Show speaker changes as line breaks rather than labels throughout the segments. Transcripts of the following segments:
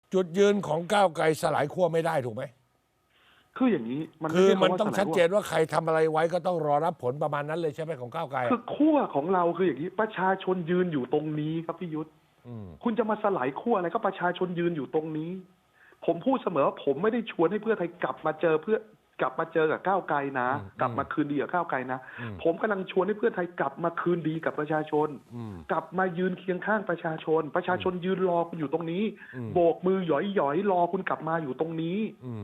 จุดยืนของก้าวไกลสลายขั้วไม่ได้ถูกไหม
คืออย่างนี้
คือ
ไใช่
มันต้อง
คำว่าสลาย
ชัด
ขั้ว
เจนว่าใครทำอะไรไว้ก็ต้องรอรับผลประมาณนั้นเลยใช่ไหมของก้าวไกล
คือขั้วของเราคืออย่างนี้ประชาชนยืนอยู่ตรงนี้ครับพี่ยุทธคุณจะมาสลายขั้วอะไรก็ประชาชนยืนอยู่ตรงนี้ ผมพูดเสมอว่าผมไม่ได้ชวนให้เพื่อไทยกลับมาเจอกับก้าวไกลนะกลับมาคืนดีกับก้าวไกลนะผมกำลังชวนให้เพื่อไทยกลับมาคืนดีกับประชาชนกลับมายืนเคียงข้างประชาชนยืนรอคุณอยู่ตรงนี้โบกมือหย่อยๆรอคุณกลับมาอยู่ตรงนี้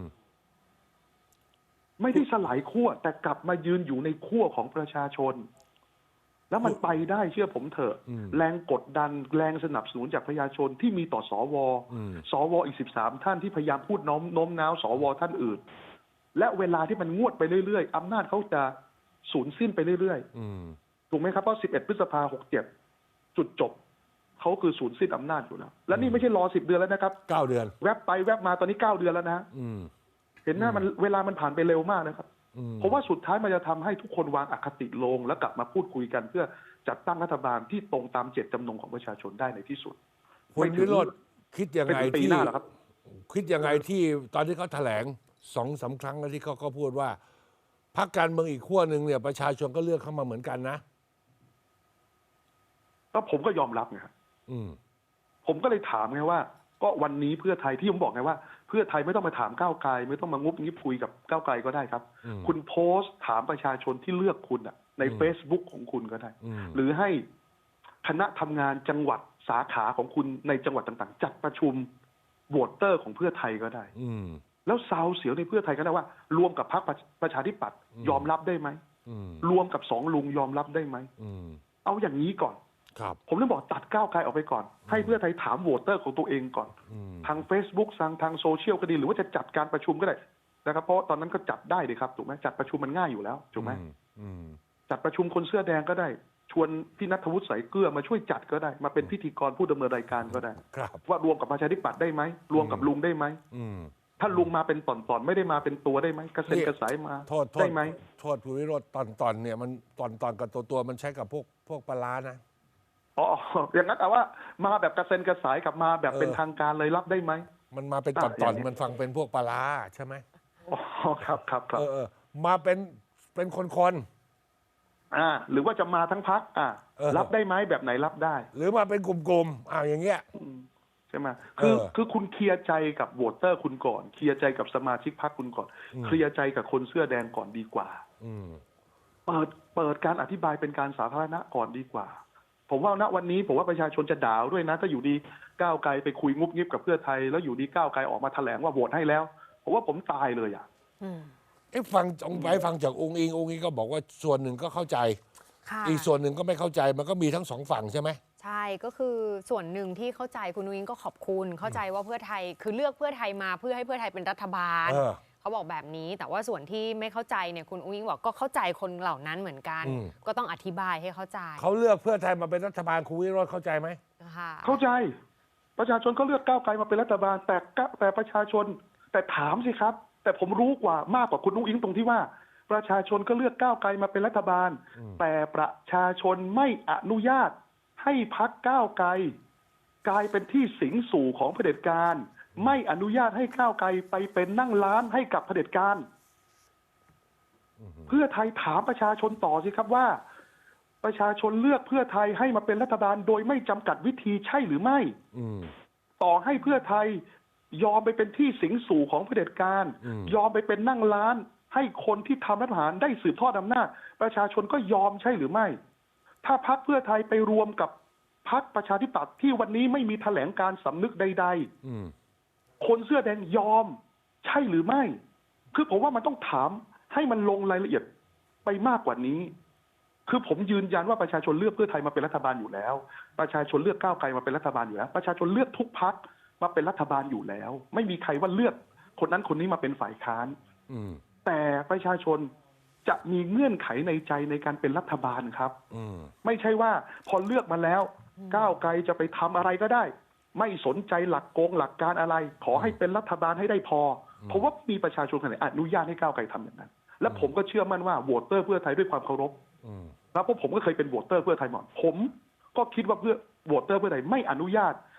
ไม่ได้สลายขั้วแต่กลับมายืนอยู่ในขั้วของประชาชนแล้วมันไปได้เชื่อผมเถอะแรงกดดันแรงสนับสนุนจากประชาชนที่มีต่อสวอีก13ท่านที่พยายามพูดโน้มน้าวสวท่านอื่นและเวลาที่มันงวดไปเรื่อยๆอำนาจเขาจะสูญสิ้นไปเรื่อยๆถูกไหมครับเพราะ11 พฤษภาคม 67จุดจบเขาคือสูญสิ้นอำนาจอยู่แล้วและนี่ไม่ใช่รอ10 เดือนแล้วนะครับ
9 เดือน
แวบไปแวบมาตอนนี้9 เดือนแล้วนะเห็นหน้ามันเวลามันผ่านไปเร็วมากนะครับเพราะว่าสุดท้ายมันจะทำให้ทุกคนวางอคติลงแล้วกลับมาพูดคุยกันเพื่อจัดตั้งรัฐบาลที่ตรงตามเจตจำนงของประชาชนได้ในที่สุด
คุณวิโรจน์คิดยังไงที่คิดยังไงที่ตอนที่เขาแถลง2-3 ครั้งแล้วที่เขาก็พูดว่าพรรคการเมืองอีกขั้วหนึ่งเนี่ยประชาชนก็เลือกเข้ามาเหมือนกันนะ
ก็ผมก็ยอมรับไงครับผมก็เลยถามไงว่าก็วันนี้เพื่อไทยที่ผมบอกไงว่าเพื่อไทยไม่ต้องมาถามก้าวไกลไม่ต้องมางุบงิบคุยกับก้าวไกลก็ได้ครับคุณโพสต์ถามประชาชนที่เลือกคุณใน Facebook ของคุณก็ได้หรือให้คณะทำงานจังหวัดสาขาของคุณในจังหวัดต่างๆจัดประชุมโหวตเตอร์ของเพื่อไทยก็ได้แล้วซาวเสียวในเพื่อไทยก็ได้ว่ารวมกับพรรคประชาธิปัตย์ยอมรับได้ไหมรวมกับ2 ลุงยอมรับได้ไหมเอาอย่างนี้ก่อนผมเลยบอกตัดก้าวไกลออกไปก่อนให้เพื่อไทยถามโหวตเตอร์ของตัวเองก่อนทาง Facebook ทางโซเชียลก็ดีหรือว่าจะจัดการประชุมก็ได้นะครับเพราะตอนนั้นก็จัดได้เลยครับถูกไหมจัดประชุมมันง่ายอยู่แล้วถูกไหมจัดประชุมคนเสื้อแดงก็ได้ชวนพี่ณัฐวุฒิ สายเกลือมาช่วยจัดก็ได้มาเป็นพิธีกรผู้ดำเนินรายการก็ได้ว่ารวมกับประชาธิปัตย์ได้ไหมรวมกับลุงได้ไหมถ้าลุงมาเป็นตอนๆไม่ได้มาเป็นตัวได้ไหมกระเซ็นกระสายมาได้ไหม
โทษผู้วิโรจน์ตอนเนี่ยมันตอนกับตัวมันใช้กับพวกปลานะ
อ๋ออย่างนั้นแต่ว่ามาแบบกระเซ็นกระสายกับมาแบบเป็นทางการเลยรับได้ไหม
มันมาเป็นตอนมันฟังเป็นพวกปลาใช่ไหม
อ๋อครับ
มาเป็นคน
หรือว่าจะมาทั้งพรรครับได้ไหมแบบไหนรับได้
หรือมาเป็นกลุ่มอย่างเงี้ย
ใช่ไหมคือคุณเคลียร์ใจกับโหวตเตอร์คุณก่อนเคลียร์ใจกับสมาชิกพรรคคุณก่อนเคลียร์ใจกับคนเสื้อแดงก่อนดีกว่าเปิดการอธิบายเป็นการสาธารณะก่อนดีกว่าผมว่าณวันนี้ผมว่าประชาชนจะด่าด้วยนะถ้าอยู่ดีก้าวไกลไปคุยงุบงิบกับเพื่อไทยแล้วอยู่ดีก้าวไกลออกมาแถลงว่าโหวตให้แล้วผมว่าผมตายเลย
ฟังจากองค์อิงก็บอกว่าส่วนหนึ่งก็เข้าใจอีกส่วนหนึ่งก็ไม่เข้าใจมันก็มีทั้ง2 ฝั่งใช่ไหม
ใช่ก็คือส่วนหนึ่งที่เข้าใจคุณอุ้งก็ขอบคุณเข้าใจว่าเพื่อไทยคือเลือกเพื่อไทยมาเพื่อให้เพื่อไทยเป็นรัฐบาลเขาบอกแบบนี้แต่ว่าส่วนที่ไม่เข้าใจเนี่ยคุณอุ้งบอกก็เข้าใจคนเหล่านั้นเหมือนกันก็ต้องอธิบายให้เข้าใจ
เขาเลือกเพื่อไทยมาเป็นรัฐบาลคุณวิโรจน์เข้าใจไหม
เข้าใจประชาชนก็เลือกก้าวไกลมาเป็นรัฐบาลแต่ประชาชนแต่ถามสิครับแต่ผมรู้มากกว่าคุณอุ้งอิงตรงที่ว่าประชาชนก็เลือกก้าวไกลมาเป็นรัฐบาลแต่ประชาชนไม่อนุญาตให้พรรคก้าวไกลกลายเป็นที่สิงสู่ของเผด็จการไม่อนุญาตให้ก้าวไกลไปเป็นนั่งร้านให้กับเผด็จการเพื่อไทยถามประชาชนต่อสิครับว่าประชาชนเลือกเพื่อไทยให้มาเป็นรัฐบาลโดยไม่จำกัดวิธีใช่หรือไม่ต่อให้เพื่อไทยยอมไปเป็นที่สิงสู่ของเผด็จการยอมไปเป็นนั่งร้านให้คนที่ทำรัฐประหารได้สืบทอดอำนาจประชาชนก็ยอมใช่หรือไม่ถ้าพรรคเพื่อไทยไปรวมกับพรรคประชาธิปัตย์ที่วันนี้ไม่มีแถลงการสำนึกใดๆคนเสื้อแดงยอมใช่หรือไม่คือผมว่ามันต้องถามให้มันลงรายละเอียดไปมากกว่านี้คือผมยืนยันว่าประชาชนเลือกเพื่อไทยมาเป็นรัฐบาลอยู่แล้วประชาชนเลือกก้าวไกลมาเป็นรัฐบาลอยู่แล้วประชาชนเลือกทุกพรรคมาเป็นรัฐบาลอยู่แล้วไม่มีใครว่าเลือกคนนั้นคนนี้มาเป็นฝ่ายค้านแต่ประชาชนจะมีเงื่อนไขในใจในการเป็นรัฐบาลครับไม่ใช่ว่าพอเลือกมาแล้วก้าวไกลจะไปทำอะไรก็ได้ไม่สนใจหลักหลักการอะไรขอให้เป็นรัฐบาลให้ได้พอเพราะว่ามีประชาชนคนไหนอนุญาตให้ก้าวไกลทำอย่างนั้นและผมก็เชื่อมั่นว่าโหวตเตอร์เพื่อไทยด้วยความเคารพแล้วเพราะผมก็เคยเป็นโหวตเตอร์เพื่อไทยมาก่อนผมก็คิดว่าเพื่อโหวตเตอร์เพื่อไทยไม่อนุญาต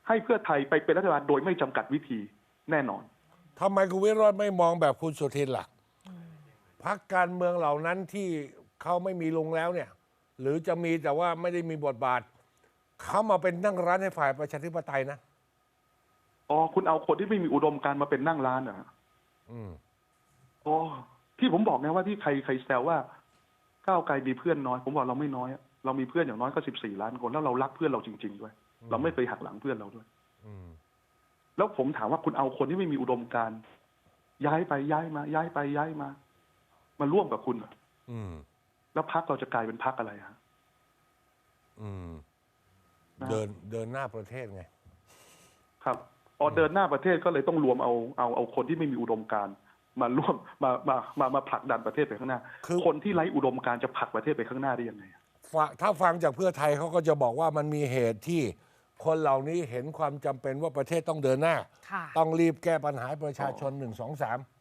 ให้เพื่อไทยไปเป็นรัฐบาลโดยไม่จำกัดวิธีแน่นอน
ทำไมคุณวิโรจน์ไม่มองแบบคุณสุทินล่ะพรรคการเมืองเหล่านั้นที่เขาไม่มีลุงแล้วเนี่ย หรือจะมีแต่ว่าไม่ได้มีบทบาทเขามาเป็นนั่งร้านให้ฝ่ายประชาธิปไตยนะ
อ๋อคุณเอาคนที่ไม่มีอุดมการณ์มาเป็นนั่งร้านเหรอ
อืม
อ๋อที่ผมบอกนะว่าที่ใครแซวว่าก้าวไกลมีเพื่อนน้อยผมบอกเราไม่น้อยอะเรามีเพื่อนอย่างน้อยก็14 ล้านคนแล้วเรารักเพื่อนเราจริงๆด้วย เราไม่เคยหักหลังเพื่อนเราด้วย
อืม
แล้วผมถามว่าคุณเอาคนที่ไม่มีอุดมการณ์ย้ายไปย้ายมา ย้ายไปย้ายมาร่วมกับคุณเหรอ
อืม
แล้วพรรคเราจะกลายเป็นพรรคอะไรฮะ
อืม
นะ
เดินหน้าประเทศไง
ครับพอเดินหน้าประเทศก็เลยต้องรวมเอาคนที่ไม่มีอุดมการณ์มาร่วมมาผลักดันประเทศไปข้างหน้า
คือ
คนที่ไร้อุดมการณ์จะผลักประเทศไปข้างหน้าได้ยังไง
ถ้าฟังจากเพื่อไทยเขาก็จะบอกว่ามันมีเหตุที่คนเหล่านี้เห็นความจำเป็นว่าประเทศต้องเดินหน้า
ค่ะ
ต้องรีบแก้ปัญหาให้ประชาชน1 2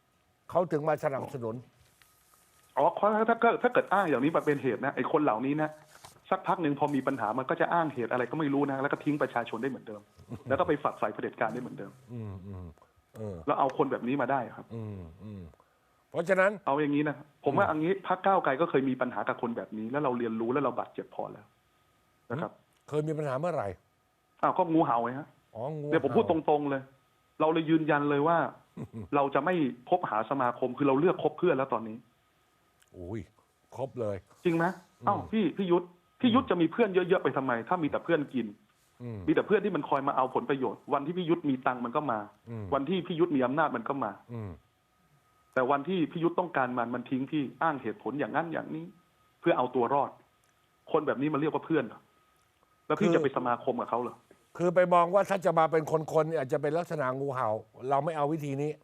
3เขาถึงมาสนับสนุน
อ๋อถ้าเกิดอ้างอย่างนี้มาเป็นเหตุนะไอ้คนเหล่านี้นะสักพักหนึ่งพอมีปัญหามันก็จะอ้างเหตุอะไรก็ไม่รู้นะแล้วก็ทิ้งประชาชนได้เหมือนเดิม แล้วก็ไปฝักใฝ่เผด็จการได้เหมือนเดิม
อืมอืมเออ
แล้วเอาคนแบบนี้มาได้ครับ
อืมอืมเพราะฉะนั้น
เอาอย่างนี้นะผมว่าอันนี้พรรคก้าวไกลก็เคยมีปัญหากับคนแบบนี้ แล้วเราเรียนรู้แล้วเราบาดเจ็บพอแล้วนะครับ
เคยมีปัญหาเมื่อไหร่
อ้าวก็งูเห่าไงฮะ
อ๋องู
เดี๋ยวผมพูดต
เห่า
รงๆเลย เราเลยยืนยันเลยว่า เราจะไม่คบหาสมาคมคือเราเลือกคบเพื่อนแล้วตอนนี้
อุ้ยครบเลย
จริงไหมอ้าวพี่ยุทธจะมีเพื่อนเยอะๆไปทำไม ถ้ามีแต่เพื่อนกิน
อืม
มีแต่เพื่อนที่มันคอยมาเอาผลประโยชน์วันที่พี่ยุทธมีตังค์มันก็มา
อืม
วันที่พี่ยุทธมีอำนาจมันก็มา
อืม
แต่วันที่พี่ยุทธต้องการมันทิ้งพี่อ้างเหตุผลอย่างนั้นอย่างนี้ เพื่อเอาตัวรอด คนแบบนี้มันเรียกว่าเพื่อนเหรอแล้วพี่จะไปสมาคมกับเขาเหรอ
คือไปมองว่าถ้าจะมาเป็นคนๆอาจจะเป็นลักษณะงูเห่า เราไม่เอาวิธีนี้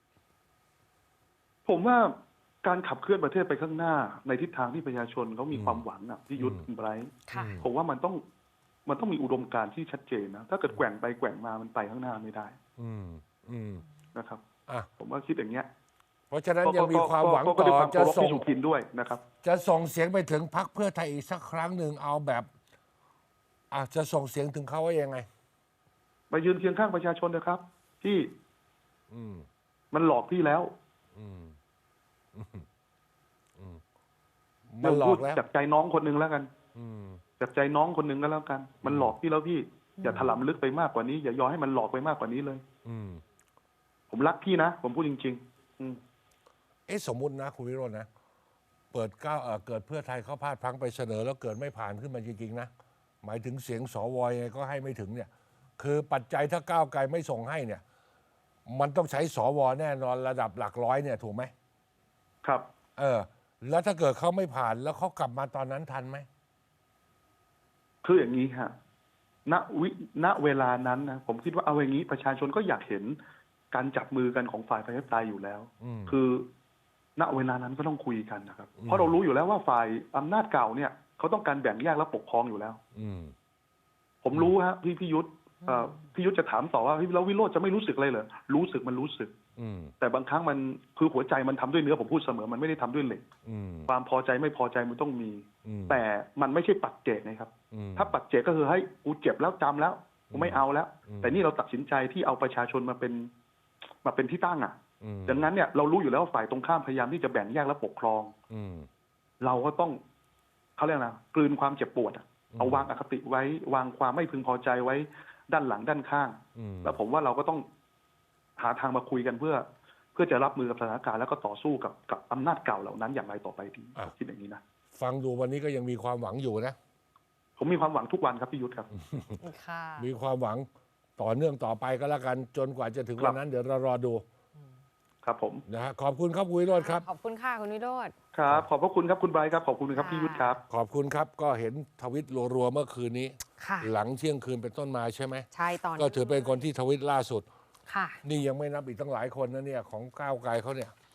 ผมว่าการขับเคลื่อนประเทศไปข้างหน้า ในทิศทางที่ประชาชนเขามีความหวังอ่ะพี่ยุทธคุณไบรท์
ค่ะ
ผมว่ามันต้องมีอุดมการณ์ที่ชัดเจนนะถ้าเกิดแกว่งไปแกว่งมามันไปข้างหน้าไม่ได้
อืมอืม
นะครับ
อ่ะ
ผมว่าคิดอย่างเงี้ย
เพราะฉะนั้นยังมีความหวัง
ก็
ต่
ด้วย
อ
ความ
จะ
เคารพ
ส่ง
พี่สุทินด้วยนะครับ
จะส่งเสียงไปถึงพรรคเพื่อไทยอีกสักครั้งหนึ่งเอาแบบจะส่งเสียงถึงเขาว่ายังไง
มายืนเคียงข้างประชาชนนะครับพี่
อืม
มันหลอกพี่แล้ว
อืมอืมอืมมันหลอกแล้ว
จากใจน้องคนหนึ่งแล้วกัน
อืม
จากใจน้องคนหนึ่งก็แล้วกัน มันหลอกพี่แล้วพี่อย่าถลำลึกไปมากกว่านี้อย่ายอมให้มันหลอกไปมากกว่านี้เลย
อืม
ผมรักพี่นะผมพูดจริงๆ
สมมุตินะคุณวิโรจน์นะเปิดเกิดเพื่อไทยเขาพลาดพลั้งไปเสนอ แล้วเกิดไม่ผ่านขึ้นมาจริงๆนะหมายถึงเสียงสวยังไงก็ให้ไม่ถึงเนี่ย คือปัจจัยถ้าก้าวไกลไม่ส่งให้เนี่ย มันต้องใช้สวแน่นอนระดับหลักร้อยเนี่ยถูกไหม
ครับ
แล้วถ้าเกิดเขาไม่ผ่านแล้วเขากลับมาตอนนั้นทันไหม
คืออย่างนี้ฮะณเวลานั้นนะผมคิดว่าเอาอย่างนี้ประชาชนก็อยากเห็นการจับมือกันของฝ่ายประชาธิปไตยอยู่แล้ว คือ ณเวลานั้นก็ต้องคุยกันนะครับ เพราะเรารู้อยู่แล้วว่าฝ่ายอำนาจเก่าเนี่ยเขาต้องการแบ่งแยกและปกครองอยู่แล้ว
อืม
ผมรู้ฮะพี่ยุทธพี่ยุทธจะถามต่อว่าแล้ววิโรจน์จะไม่รู้สึกอะไรเหรอรู้สึกมันรู้สึก
อืม
แต่บางครั้งมันคือหัวใจมันทำด้วยเนื้อผมพูดเสมอมันไม่ได้ทำด้วยเหล็ก
อืม
ความพอใจไม่พอใจมันต้องมี
อืม
แต่มันไม่ใช่ปัจเจกนะครับ
อืม
ถ้าปัจเจกก็คือให้กูเจ็บแล้วจำแล้วกูไม่เอาแล้ว
อืม
แต่นี่เราตัดสินใจที่เอาประชาชนมาเป็นที่ตั้งอ่ะ
อืม
ดังนั้นเนี่ยเรารู้อยู่แล้วว่าฝ่ายตรงข้ามพยายามที่จะแบ่งแยกและปกครอง
อืม
เราก็ต้องเขาเรียกนะกลืนความเจ็บปวดอะเอาวางอคติไว้วางความไม่พึงพอใจไว้ด้านหลังด้านข้าง
อืม
แล้วผมว่าเราก็ต้องหาทางมาคุยกันเพื่อจะรับมือกับสถานการณ์แล้วก็ต่อสู้กับอำนาจเก่าเหล่านั้นอย่างไรต่อไปดีผมคิดอย่างนี้นะ
ฟังดูวันนี้ก็ยังมีความหวังอยู่นะ
ผมมีความหวังทุกวันครับพี่ยุทธครับ
ค่ะ
มีความหวังต่อเนื่องต่อไปก็แล้วกัน จนกว่าจะถึง
ครั
วั
บ
นนั้นเดี๋ยวเรารอดู
ครับผม
นะฮะขอบคุณครับคุณวิโรจน์ครับ
ขอบคุณค่ะคุณวิโรจน์
ครับขอบพระคุณครับคุณไบรท์ครับขอบคุณครับพี่ยุทธครับ
ขอบคุณครับ ก็เห็นทวิตรัวๆเมื่อคืนนี้
ค่ะ
หลังเที่ยงคืนเป็นต้นมาใช่ไหม
ใช่ตอน
ก็ถือเป็นคนที่ทวิตล่าสุด
ค่ะ
นี่ยังไม่นับอีกตั้งหลายคนนะเนี่ยของก้าวไกลเขาเนี่ย